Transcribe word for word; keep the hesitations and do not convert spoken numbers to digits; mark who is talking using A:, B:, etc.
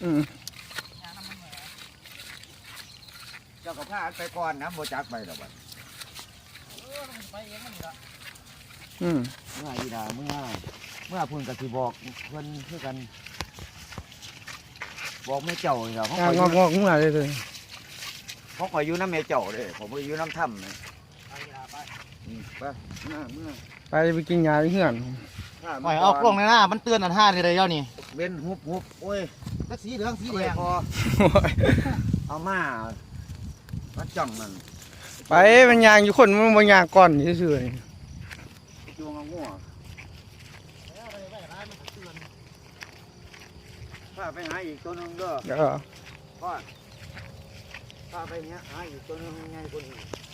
A: อืม
B: เจ้าก็พาไปก่อนนะโบจักไปหรอกบัด
C: ไปเองมันนี่ละ
A: อืม
B: เมื่ออีดาเมื่อเมื่อพุ่นกับที่บอกเพิ่นคือกัน บอกแม่เจ้านี่ล่ะเขา
A: งา
B: คอย
A: ง
B: อยู่
A: อกงอกขึ้นมาเลยเลย
B: เขาคอยอยู่น้ำแม่เจ้าเด้ผมไปอยู่น้ำถ้ำเลย
C: ไปอีหลาไป
B: อืมไปเมื่อเมื่อ
A: ไปไปกินยาที่เฮือน
B: ถ้า
C: ปล่อยออกลงในหน้ามันเตือนอันห้านี่เลยเจ้านี่
B: เว้นหุบหุบโอ้ย
C: สักสีเหลืองสี
B: สี
C: แด
B: แด
C: ง
B: งพอเอามามาจ้องมัน
A: ไปมันยางอยู่คนมันบางยางก่อนเฉย
B: จวงเอางัวพาไปหาอีกตัวหนึงเด้อ
A: ๆเออ
B: พ่อพาไปเนี้ยหาอีกตัวหนึงไงคนอื่น